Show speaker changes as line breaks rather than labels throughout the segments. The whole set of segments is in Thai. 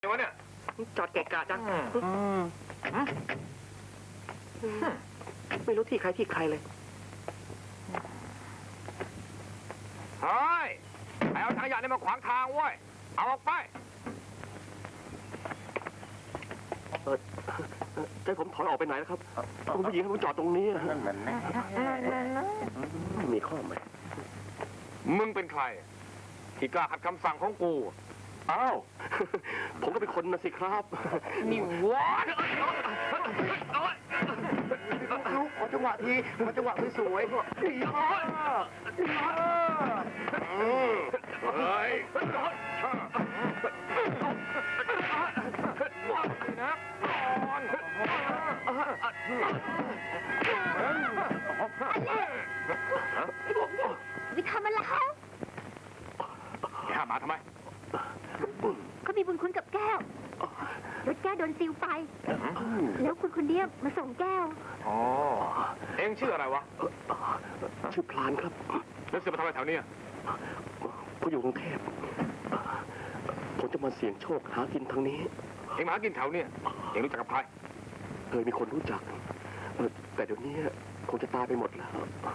วะเนี่ย
จอดเกะกะจังไม่รู้ที่ใครเลย
เฮ้ยไอ้เอาถังขยะนี่มาขวางทางเว้ยเอาออกไป
ใจผมถอยออกไปไหนแล้วครับคุณผู้หญิงให้ผมจอดตรงนี้นั่นมันมีข้อไหม
มึงเป็นใครที่กล้าขัดคำสั่งของกู
อ้าวผมก็เป็นคนนะสิครับ
นี่วะ
ลูกขอจังหวะทีขอจังหวะสวยๆ
เฮ้ยนะ
วิทำมาแล้ว
ข้ามาทำไม
เขามีบุญคุณกับแก้วรถแก้วโดนซิวไปแล้วคุณคนเดียมาส่งแก้ว
อ๋อเอ็งชื่ออะไรวะ
ชื่อพลานครับ
แล้วเสือมาทำอะไรแถวนี้
ผมอยู่กรุงเทพผมจะมาเสี่ยงโชคหากินทางนี้
เอ็งมาหากินแถวนี้เอ็งรู้จักกับใคร
เคยมีคนรู้จักแต่เดี๋ยวนี้คงจะตายไปหมดแล้ว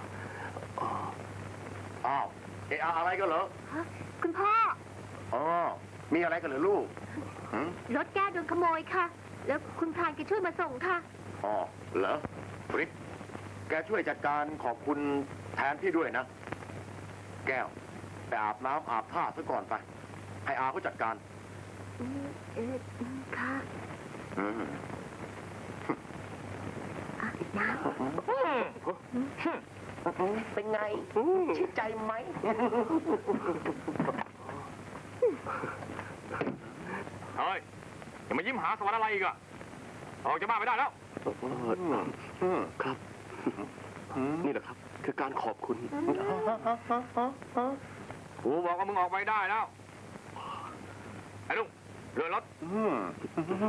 อ้าวอะไรกันเหรอ
คุณพ่อ
อ๋อมีอะไรกันเหรอลูก
รถแก้วโดนขโมยค่ะแล้วคุณพรานแกช่วยมาส่งค่ะ
อ๋อเหรอริกแกช่วยจัดการขอบคุณแทนพี่ด้วยนะแก้วไปอาบน้ำอาบท่าซะก่อนไปให้อาเขาจัดการ
ค่ะน้ำ
เป็นไงชื่นใจไหม
เฮ้ยอย่ามายิ้มหาสวรรค์อะไรอีกอะออกจากบ้านไม่ได้แล้ว
ครับนี่แหละครับคือการขอบคุณ
กูบอกว่ามึงออกไปได้แล้วไอ้ลุงเรือรถ